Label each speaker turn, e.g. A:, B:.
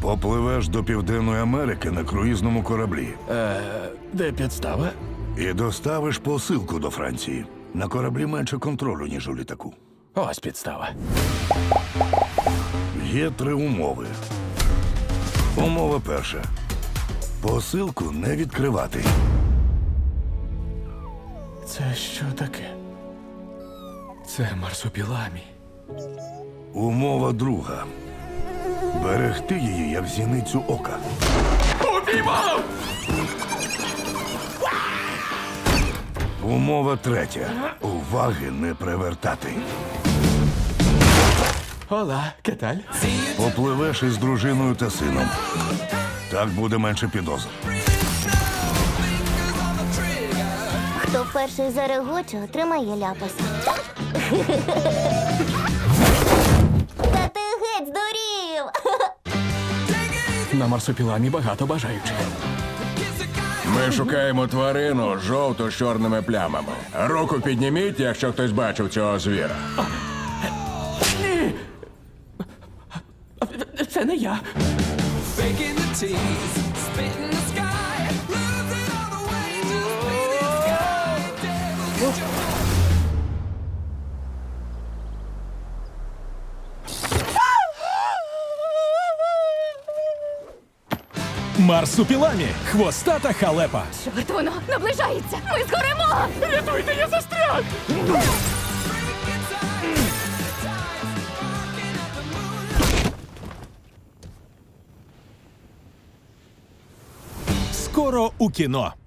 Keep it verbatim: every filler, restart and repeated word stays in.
A: Попливеш до Південної Америки на круїзному кораблі
B: Е, де підстава?
A: і доставиш посилку до Франції. На кораблі менше контролю, ніж у літаку.
B: Ось підстава.
A: Є три умови. Умова перша. Посилку не відкривати.
B: Це що таке? Це марсупіламі.
A: Умова друга. Берегти її, як зіницю ока.
B: Упіймав!
A: Умова третя. Уваги не привертати.
B: Ола, кеталь?
A: Попливеш із дружиною та сином. Так буде менше підозр.
C: Хто перший зарегоче, отримає ляпаса. Та ти геть здурів!
B: На марсупіламі багато бажаючих.
D: Ми шукаємо тварину жовту з чорними плямами. Руку підніміть, якщо хтось бачив цього звіра.
B: Ні! Це не я.
E: Faking the tease, spitting the sky, losing all the way, just breathing sky. Devil, get your
F: Марсупіламі. Хвостата халепа.
G: Чорт, воно наближається! Ми згоремо!
B: Рятуйте, я застряг!
F: Скоро у кіно.